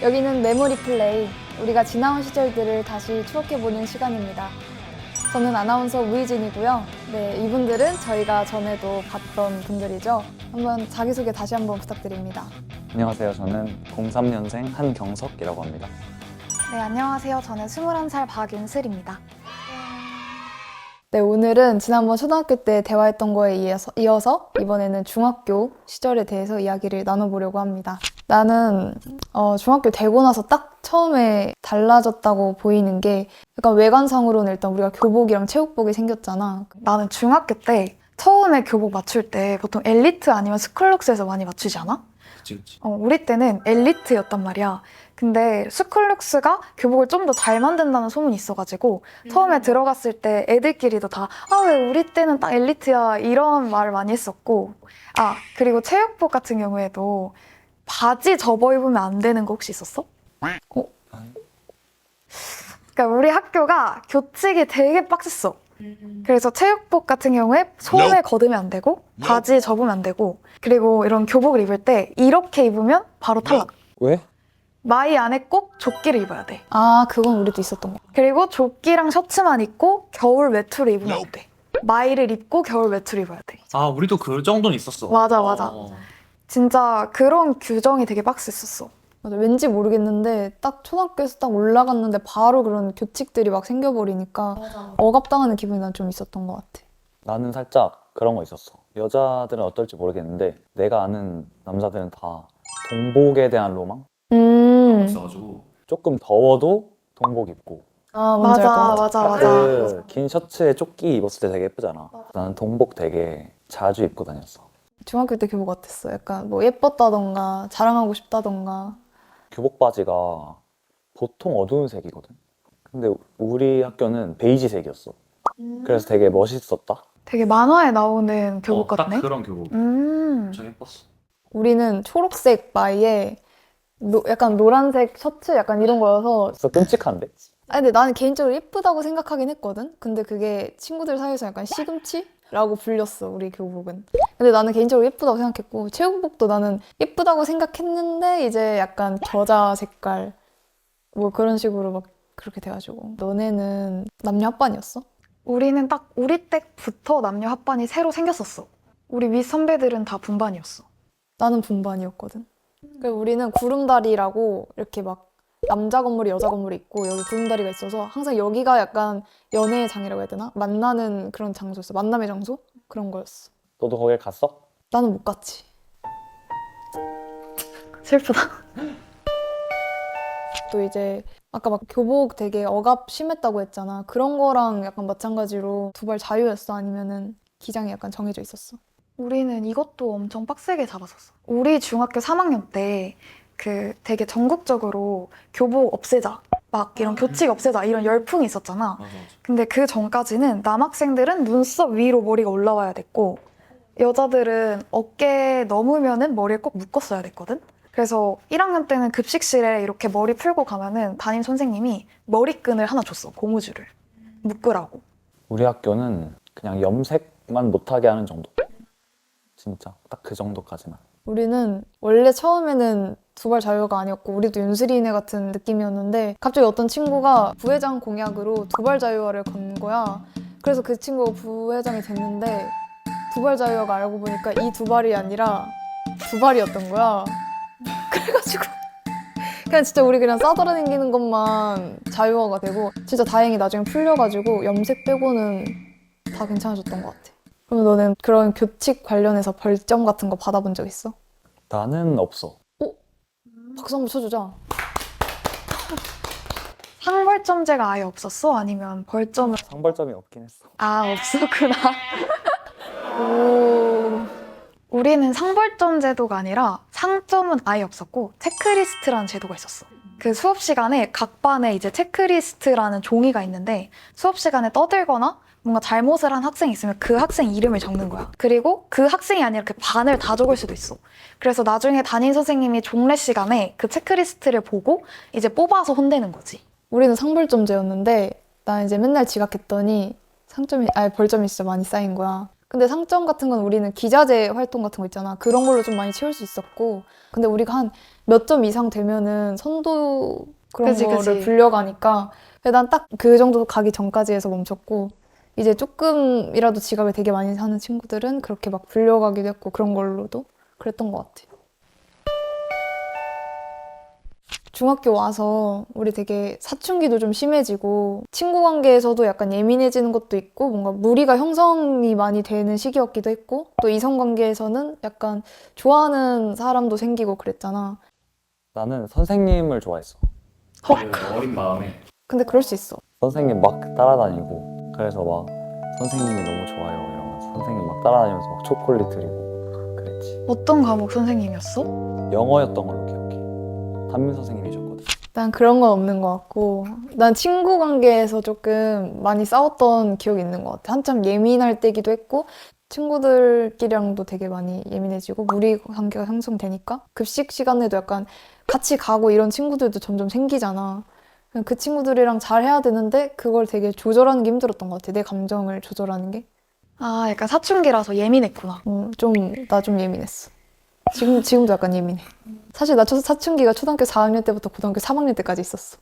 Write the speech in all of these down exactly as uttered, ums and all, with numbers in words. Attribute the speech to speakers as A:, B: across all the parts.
A: 여기는 메모리 플레이, 우리가 지나온 시절들을 다시 추억해보는 시간입니다. 저는 아나운서 우희진이고요. 네, 이분들은 저희가 전에도 봤던 분들이죠. 한번 자기소개 다시 한번 부탁드립니다.
B: 안녕하세요. 저는 공삼 년생 한경석이라고 합니다.
C: 네, 안녕하세요. 저는 스물한 살 박윤슬입니다.
A: 네, 오늘은 지난번 초등학교 때 대화했던 거에 이어서, 이어서 이번에는 중학교 시절에 대해서 이야기를 나눠보려고 합니다. 나는 어, 중학교 되고 나서 딱 처음에 달라졌다고 보이는 게 약간 외관상으로는 일단 우리가 교복이랑 체육복이 생겼잖아.
C: 나는 중학교 때 처음에 교복 맞출 때 보통 엘리트 아니면 스쿨룩스에서 많이 맞추지 않아?
B: 그치, 그치.
C: 어, 우리 때는 엘리트였단 말이야. 근데 스쿨룩스가 교복을 좀 더 잘 만든다는 소문이 있어가지고 음. 처음에 들어갔을 때 애들끼리도 다 아, 왜 우리 때는 딱 엘리트야 이런 말을 많이 했었고, 아, 그리고 체육복 같은 경우에도 바지 접어 입으면 안 되는 거 혹시 있었어? 어? 그러니까 우리 학교가 교칙이 되게 빡셌어. 그래서 체육복 같은 경우에 소매 걷으면 안 되고 바지 접으면 안 되고, 그리고 이런 교복을 입을 때 이렇게 입으면 바로 탈락.
B: 왜?
C: 마이 안에 꼭 조끼를 입어야 돼.
A: 아, 그건 우리도 있었던 거.
C: 그리고 조끼랑 셔츠만 입고 겨울 외투를 입으면 안 돼. 마이를 입고 겨울 외투를 입어야 돼.
D: 아, 우리도 그 정도는 있었어.
C: 맞아, 맞아.
D: 어.
C: 진짜 그런 규정이 되게 빡셌었어.
A: 맞아, 왠지 모르겠는데 딱 초등학교에서 딱 올라갔는데 바로 그런 교칙들이 막 생겨버리니까 억압당하는 기분이 난 좀 있었던 것 같아.
B: 나는 살짝 그런 거 있었어. 여자들은 어떨지 모르겠는데 내가 아는 남자들은 다 동복에 대한 로망?
A: 음.
D: 있어가지고.
B: 조금 더워도 동복 입고
A: 아, 뭔지 알 것
C: 맞아,
A: 같아.
C: 맞아, 맞아.
B: 그 긴 셔츠에 조끼 입었을 때 되게 예쁘잖아. 나는 동복 되게 자주 입고 다녔어.
A: 중학교 때 교복 어땠어? 약간 뭐 예뻤다던가 자랑하고 싶다던가.
B: 교복 바지가 보통 어두운 색이거든. 근데 우리 학교는 베이지색이었어. 그래서 되게 멋있었다.
C: 되게 만화에 나오는 교복
D: 어, 딱
C: 같네?
D: 그런 교복.
C: 음.
D: 엄청 예뻤어.
A: 우리는 초록색 마이에 노- 약간 노란색 셔츠 약간 이런 거여서.
B: 그래서 끔찍한데?
A: 아 근데 나는 개인적으로 예쁘다고 생각하긴 했거든. 근데 그게 친구들 사이에서 약간 시금치라고 불렸어, 우리 교복은. 근데 나는 개인적으로 예쁘다고 생각했고, 체육복도 나는 예쁘다고 생각했는데 이제 약간 겨자 색깔 뭐 그런 식으로 막 그렇게 돼가지고. 너네는 남녀 합반이었어?
C: 우리는 딱 우리 때부터 남녀 합반이 새로 생겼었어. 우리 윗 선배들은 다 분반이었어.
A: 나는 분반이었거든. 그리고 우리는 구름다리라고 이렇게 막 남자 건물이 여자 건물이 있고 여기 구름다리가 있어서 항상 여기가 약간 연애의 장이라고 해야 되나? 만나는 그런 장소였어. 만남의 장소? 그런 거였어.
B: 너도 거길 갔어?
A: 나는 못 갔지.
C: 슬프다.
A: 또 이제 아까 막 교복 되게 억압 심했다고 했잖아. 그런 거랑 약간 마찬가지로 두발 자유였어? 아니면은 기장이 약간 정해져 있었어?
C: 우리는 이것도 엄청 빡세게 잡았었어. 우리 중학교 삼 학년 때 그 되게 전국적으로 교복 없애자, 막 이런 교칙 없애자 이런 열풍이 있었잖아.
D: 맞아, 맞아.
C: 근데 그 전까지는 남학생들은 눈썹 위로 머리가 올라와야 됐고 여자들은 어깨 넘으면은 머리를 꼭 묶었어야 됐거든. 그래서 일 학년 때는 급식실에 이렇게 머리 풀고 가면은 담임 선생님이 머리끈을 하나 줬어, 고무줄을 묶으라고.
B: 우리 학교는 그냥 염색만 못하게 하는 정도. 진짜 딱 그 정도까지만.
A: 우리는 원래 처음에는 두발 자유가 아니었고 우리도 윤슬이네 같은 느낌이었는데 갑자기 어떤 친구가 부회장 공약으로 두발 자유화를 건 거야. 그래서 그 친구가 부회장이 됐는데 두발 자유화가 알고 보니까 이 두 발이 아니라 두 발이었던 거야. 그래가지고 그냥 진짜 우리 그냥 싸돌아다니는 것만 자유화가 되고, 진짜 다행히 나중에 풀려가지고 염색 빼고는 다 괜찮아졌던 것 같아. 그럼 너는 그런 교칙 관련해서 벌점 같은 거 받아본 적 있어?
B: 나는 없어.
A: 박수 한번 쳐주자.
C: 상벌점제가 아예 없었어? 아니면 벌점을
B: 상벌점이 없긴 했어.
C: 아 없었구나.
A: 오.
C: 우리는 상벌점 제도가 아니라 상점은 아예 없었고 체크리스트라는 제도가 있었어. 그 수업 시간에 각 반에 이제 체크리스트라는 종이가 있는데 수업 시간에 떠들거나 뭔가 잘못을 한 학생이 있으면 그 학생 이름을 적는 거야. 그리고 그 학생이 아니라 그 반을 다 적을 수도 있어. 그래서 나중에 담임 선생님이 종례 시간에 그 체크리스트를 보고 이제 뽑아서 혼내는 거지.
A: 우리는 상벌점제였는데 나 이제 맨날 지각했더니 상점이 아니 벌점이 진짜 많이 쌓인 거야. 근데 상점 같은 건 우리는 기자재 활동 같은 거 있잖아. 그런 걸로 좀 많이 채울 수 있었고. 근데 우리가 한 몇 점 이상 되면은 선도 그런
C: 그치,
A: 거를
C: 그치.
A: 불려가니까 난 딱 그 정도 가기 전까지 해서 멈췄고 이제 조금이라도 지갑을 되게 많이 사는 친구들은 그렇게 막 불려가기도 했고 그런 걸로도 그랬던 것 같아요. 중학교 와서 우리 되게 사춘기도 좀 심해지고 친구 관계에서도 약간 예민해지는 것도 있고 뭔가 무리가 형성이 많이 되는 시기였기도 했고 또 이성 관계에서는 약간 좋아하는 사람도 생기고 그랬잖아.
B: 나는 선생님을 좋아했어. 어린 마음에.
A: 근데 그럴 수 있어.
B: 선생님 막 따라다니고 그래서 막 선생님이 너무 좋아요 이러면서 선생님 막 따라다니면서 막 초콜릿 드리고 그랬지.
C: 어떤 과목 선생님이었어?
B: 영어였던 걸로 기억해. 담임 선생님이셨거든.
A: 난 그런 건 없는 것 같고 난 친구 관계에서 조금 많이 싸웠던 기억이 있는 것 같아. 한참 예민할 때기도 했고 친구들끼리랑도 되게 많이 예민해지고 무리 관계가 형성되니까 급식 시간에도 약간 같이 가고 이런 친구들도 점점 생기잖아. 그냥 그 친구들이랑 잘 해야 되는데 그걸 되게 조절하는 게 힘들었던 것 같아. 내 감정을 조절하는 게.
C: 아, 약간 사춘기라서 예민했구나.
A: 음, 좀, 나 좀 예민했어. 지금, 지금도 약간 예민해. 사실 나 초- 사춘기가 초등학교 사 학년 때부터 고등학교 삼 학년 때까지 있었어.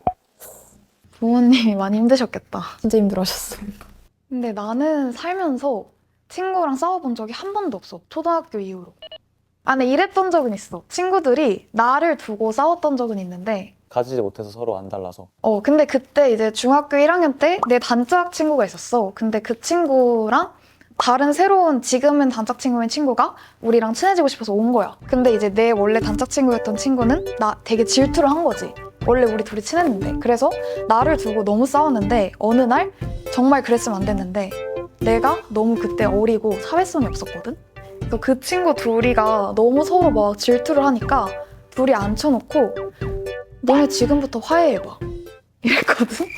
C: 부모님이 많이 힘드셨겠다.
A: 진짜 힘들어하셨어.
C: 근데 나는 살면서 친구랑 싸워본 적이 한 번도 없어. 초등학교 이후로. 아, 근데 이랬던 적은 있어. 친구들이 나를 두고 싸웠던 적은 있는데
B: 가지지 못해서 서로 안 달라서.
C: 어, 근데 그때 이제 중학교 일 학년 때 내 단짝 친구가 있었어. 근데 그 친구랑 다른 새로운 지금은 단짝 친구인 친구가 우리랑 친해지고 싶어서 온 거야. 근데 이제 내 원래 단짝 친구였던 친구는 나 되게 질투를 한 거지. 원래 우리 둘이 친했는데. 그래서 나를 두고 너무 싸웠는데 어느 날 정말 그랬으면 안 됐는데 내가 너무 그때 어리고 사회성이 없었거든? 그래서 그 친구 둘이가 너무 서로 막 질투를 하니까 둘이 앉혀놓고 너네 지금부터 화해해봐. 이랬거든?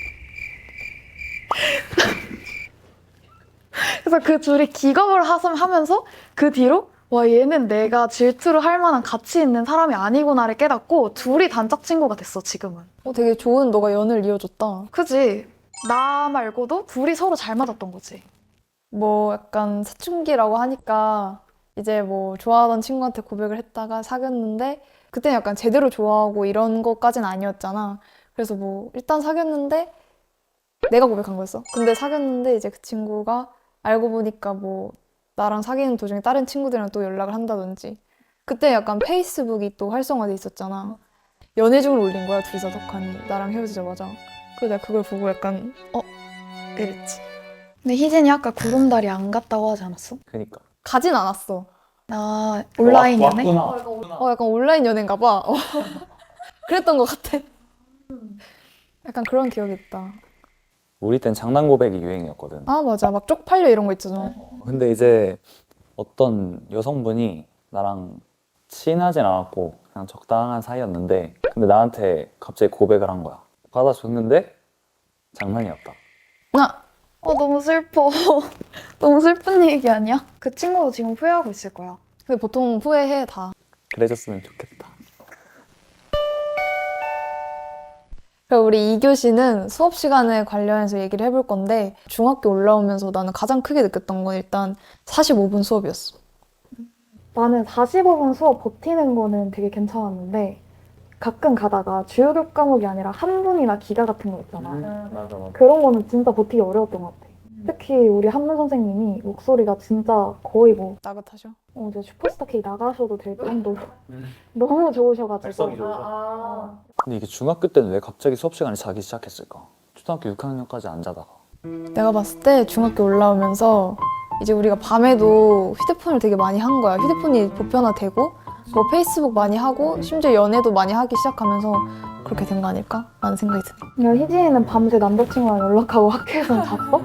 C: 그래서 그 둘이 기겁을 하섬 하면서 그 뒤로 와 얘는 내가 질투를 할 만한 가치 있는 사람이 아니구나를 깨닫고 둘이 단짝 친구가 됐어 지금은.
A: 어, 되게 좋은 너가 연을 이어줬다.
C: 그지? 나 말고도 둘이 서로 잘 맞았던 거지.
A: 뭐 약간 사춘기라고 하니까 이제 뭐 좋아하던 친구한테 고백을 했다가 사귀었는데 그때는 약간 제대로 좋아하고 이런 것까진 아니었잖아. 그래서 뭐 일단 사귀었는데 내가 고백한 거였어. 근데 사귀었는데 이제 그 친구가 알고 보니까 뭐 나랑 사귀는 도중에 다른 친구들이랑 또 연락을 한다든지 그때 약간 페이스북이 또 활성화돼 있었잖아. 연애중을 올린 거야 둘이서 덕하니 나랑 헤어지자마자. 그래서 내가 그걸 보고 약간 어? 이랬지.
C: 근데 희진이 아까 구름다리 안 갔다고 하지 않았어?
B: 그니까.
A: 가진 않았어.
C: 아 온라인 연애?
A: 어, 약간 온라인 연애인가 봐. 어. 그랬던 것 같아. 약간 그런 기억이 있다.
B: 우리 땐 장난 고백이 유행이었거든.
A: 아, 맞아. 막 쪽팔려 이런 거 있잖아.
B: 근데 이제 어떤 여성분이 나랑 친하진 않았고 그냥 적당한 사이였는데 근데 나한테 갑자기 고백을 한 거야. 받아줬는데 장난이었다.
A: 나
C: 어 너무 슬퍼. 너무 슬픈 얘기 아니야? 그 친구도 지금 후회하고 있을 거야.
A: 근데 보통 후회해 다.
B: 그래줬으면 좋겠다.
A: 그리고 우리 이 교시는 수업 시간에 관련해서 얘기를 해볼 건데 중학교 올라오면서 나는 가장 크게 느꼈던 건 일단 사십오 분 수업이었어.
C: 나는 사십오 분 수업 버티는 거는 되게 괜찮았는데 가끔 가다가 주요 교과목이 아니라 한문이나 기가 같은 거 있잖아.
B: 맞아 맞아.
C: 그런 거는 진짜 버티기 어려웠던 것 같아. 특히 우리 한문 선생님이 목소리가 진짜 거의 뭐
A: 나긋하셔.
C: 어, 이제 슈퍼스타 K 나가셔도 될 정도로 너무 좋으셔가지고.
B: 발성이 좋으셔. 근데 이게 중학교 때는 왜 갑자기 수업 시간에 자기 시작했을까? 초등학교 육 학년까지 안 자다가.
A: 내가 봤을 때 중학교 올라오면서 이제 우리가 밤에도 휴대폰을 되게 많이 한 거야. 휴대폰이 보편화되고 뭐 페이스북 많이 하고 심지어 연애도 많이 하기 시작하면서 그렇게 된 거 아닐까? 라는 생각이 드네.
C: 야, 희진이는 밤새 남자친구랑 연락하고 학교에서 잤어?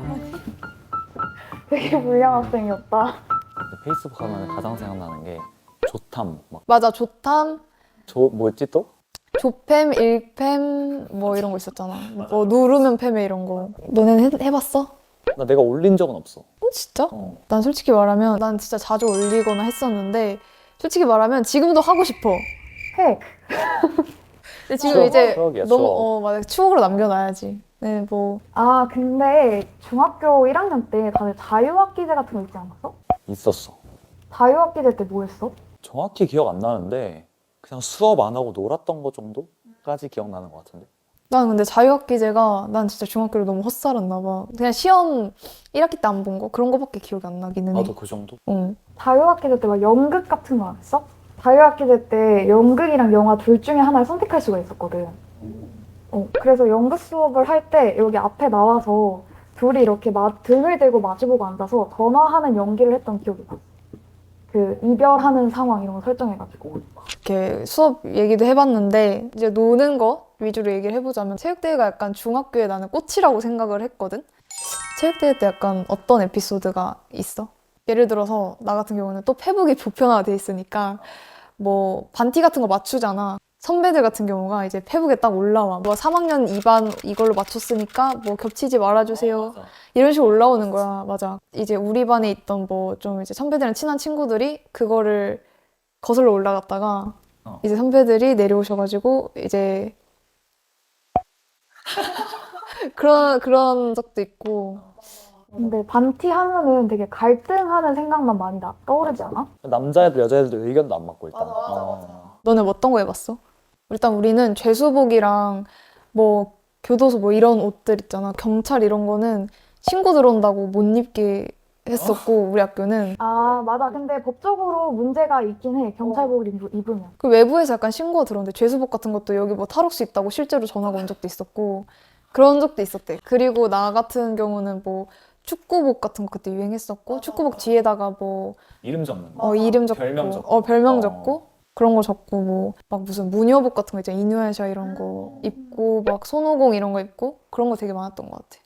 C: 되게 불량 학생이었다.
B: 근데 페이스북 하면 가장 생각나는 게 조탐 막
A: 맞아. 조탐,
B: 조 뭐였지 또?
A: 조팸, 일팸 뭐 이런 거 있었잖아. 뭐 누르면 팸에 이런 거. 너네는 해, 해봤어?
B: 나 내가 올린 적은 없어.
A: 어, 진짜?
B: 어.
A: 난 솔직히 말하면 난 진짜 자주 올리거나 했었는데 솔직히 말하면 지금도 하고 싶어.
C: 해.
A: 근데 지금
B: 추억,
A: 이제
B: 추억이야,
A: 너무
B: 추억.
A: 어 맞아 추억으로 남겨놔야지. 네, 뭐
D: 아, 근데 중학교 일 학년 때 다들 자유학기제 같은 거 있지 않았어?
B: 있었어.
D: 자유학기제 때 뭐 했어?
B: 정확히 기억 안 나는데 그냥 수업 안 하고 놀았던 거 정도까지 기억나는 것 같은데.
A: 난 근데 자유학기제가 난 진짜 중학교를 너무 헛살았나 봐. 그냥 시험 일 학기 때 안 본 거 그런 거밖에 기억이 안 나기는 해.
B: 나도 그 정도?
A: 응.
D: 자유학기제 때 막 연극 같은 거 안 했어? 자유학기제 때 연극이랑 영화 둘 중에 하나를 선택할 수가 있었거든. 어, 그래서 연극 수업을 할 때 여기 앞에 나와서 둘이 이렇게 마, 등을 대고 마주보고 앉아서 전화하는 연기를 했던 기억이 나. 그 이별하는 상황 이런 거 설정해가지고.
A: 이렇게 수업 얘기도 해봤는데 이제 노는 거 위주로 얘기를 해보자면 체육대회가 약간 중학교에 나는 꽃이라고 생각을 했거든. 체육대회 때 약간 어떤 에피소드가 있어? 예를 들어서 나 같은 경우는 또 페북이 보편화돼 있으니까 뭐 반티 같은 거 맞추잖아. 선배들 같은 경우가 이제 페북에 딱 올라와. 뭐 삼 학년 이 반 이걸로 맞췄으니까 뭐 겹치지 말아주세요. 이런 식으로 올라오는 거야. 맞아. 이제 우리 반에 있던 뭐 좀 이제 선배들이랑 친한 친구들이 그거를 거슬러 올라갔다가
B: 어.
A: 이제 선배들이 내려오셔가지고 이제 그런 그런 적도 있고.
D: 근데 반티 하면은 되게 갈등하는 생각만 많이 나, 떠오르지 않아?
B: 남자애들 여자애들 의견도 안 맞고 일단. 어.
A: 너네 뭐 어떤 거 해봤어? 일단 우리는 죄수복이랑 뭐 교도소 뭐 이런 옷들 있잖아. 경찰 이런 거는 신고 들어온다고 못 입게 했었고 우리 학교는
D: 아, 맞아. 근데 법적으로 문제가 있긴 해. 경찰복을 입- 입으면.
A: 그 외부에서 약간 신고가 들어오는데 죄수복 같은 것도 여기 뭐 탈옥수 있다고 실제로 전화가 온 적도 있었고 그런 적도 있었대. 그리고 나 같은 경우는 뭐 축구복 같은 거 그때 유행했었고 축구복 뒤에다가 뭐
B: 이름 적는 거.
A: 어, 이름 적고
B: 별명 적고.
A: 어 별명
B: 어.
A: 적고 그런 거 적고 뭐 막 무슨 무녀복 같은 거 있잖아. 이누야샤 이런 거 입고 막 손오공 이런 거 입고 그런 거 되게 많았던 것 같아.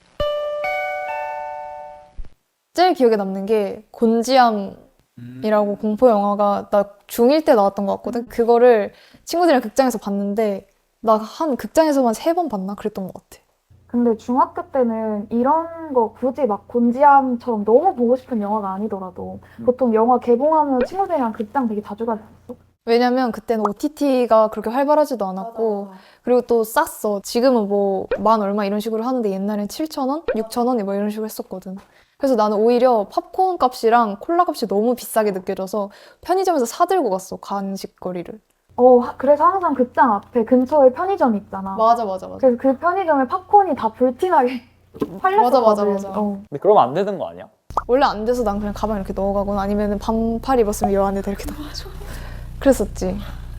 A: 제일 기억에 남는 게 곤지암이라고
B: 음.
A: 공포 영화가 나 중일 때 나왔던 것 같거든. 그거를 친구들이랑 극장에서 봤는데 나 한 극장에서만 세 번 봤나 그랬던 것 같아.
D: 근데 중학교 때는 이런 거 굳이 막 곤지암처럼 너무 보고 싶은 영화가 아니더라도
B: 음.
D: 보통 영화 개봉하면 친구들이랑 극장 되게 자주 가지 않았어?
A: 왜냐면 그때는 오티티가 그렇게 활발하지도 않았고 그리고 또 쌌어. 지금은 뭐 만 얼마 이런 식으로 하는데 옛날엔 칠천 원, 육천 원 뭐 이런 식으로 했었거든. 그래서 나는 오히려 팝콘 값이랑 콜라 값이 너무 비싸게 느껴져서 편의점에서 사들고 갔어, 간식거리를.
D: 어, 하- 그래서 항상 극장 앞에 근처에 편의점이 있잖아.
A: 맞아, 맞아, 맞아.
D: 그래서 그 편의점에 팝콘이 다 불티나게 팔렸었거든.
A: 맞아, 맞아, 맞아.
D: 어.
B: 근데 그러면 안 되는 거 아니야?
A: 원래 안 돼서 난 그냥 가방 이렇게 넣어가거나 아니면 반팔 입었으면 여 안에다 이렇게 넣어가지고 그랬었지.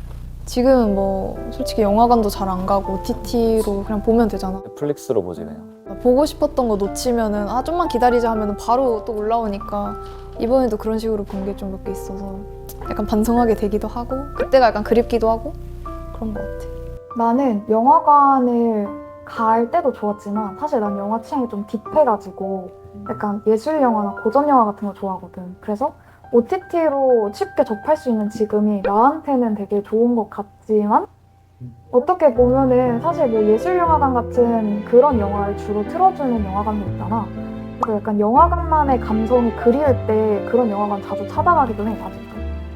A: 지금은 뭐 솔직히 영화관도 잘 안 가고 오티티로 그냥 보면 되잖아.
B: 넷플릭스로 보지 그냥.
A: 보고 싶었던 거 놓치면은 아 좀만 기다리자 하면은 바로 또 올라오니까 이번에도 그런 식으로 본 게 좀 몇 개 있어서 약간 반성하게 되기도 하고 그때가 약간 그립기도 하고 그런 것 같아.
D: 나는 영화관을 갈 때도 좋았지만 사실 난 영화 취향이 좀 딥해가지고 약간 예술 영화나 고전 영화 같은 거 좋아하거든. 그래서 오티티로 쉽게 접할 수 있는 지금이 나한테는 되게 좋은 것 같지만 어떻게 보면은 사실 뭐 예술영화관 같은 그런 영화를 주로 틀어주는 영화관도 있잖아. 그래서 약간 영화관만의 감성이 그리울 때 그런 영화관 자주 찾아가기도 해, 아직도.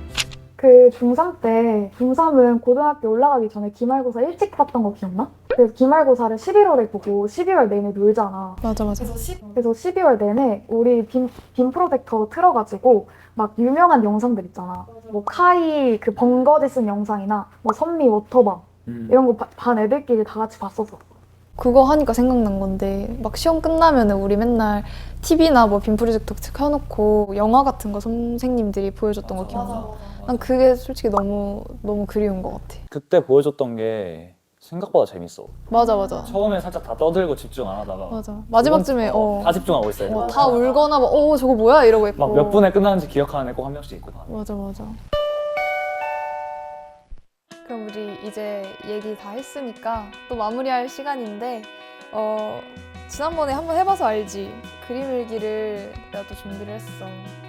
D: 그 중삼 때, 중삼은 고등학교 올라가기 전에 기말고사 일찍 봤던 거 기억나? 그래서 기말고사를 십일월에 보고 십이월 내내 놀잖아.
A: 맞아, 맞아.
D: 그래서 십이월 내내 우리 빔, 빔 프로젝터 틀어가지고 막 유명한 영상들 있잖아. 뭐 카이 그 번거지 쓴 영상이나 뭐 선미 워터밤
B: 음.
D: 이런 거 반 애들끼리 다 같이 봤었어.
A: 그거 하니까 생각난 건데 막 시험 끝나면은 우리 맨날 티비나 뭐 빔 프로젝터 켜놓고 영화 같은 거 선생님들이 보여줬던 거 기억나? 난 그게 솔직히 너무 너무 그리운 것 같아.
B: 그때 보여줬던 게 생각보다 재밌어.
A: 맞아, 맞아.
B: 처음에 살짝 다 떠들고 집중 안 하다가
A: 맞아. 마지막쯤에
B: 두 번-
A: 어,
B: 다 집중하고 있어요.
A: 어, 다 울거나 막 어 저거 뭐야 이러고 있고.
B: 막 몇 분에 끝나는지 기억하는 애 꼭 한 명씩 있고.
A: 맞아, 맞아. 그럼 우리 이제 얘기 다 했으니까 또 마무리할 시간인데 어 지난번에 한번 해봐서 알지. 그림 일기를 내가 또 준비를 했어.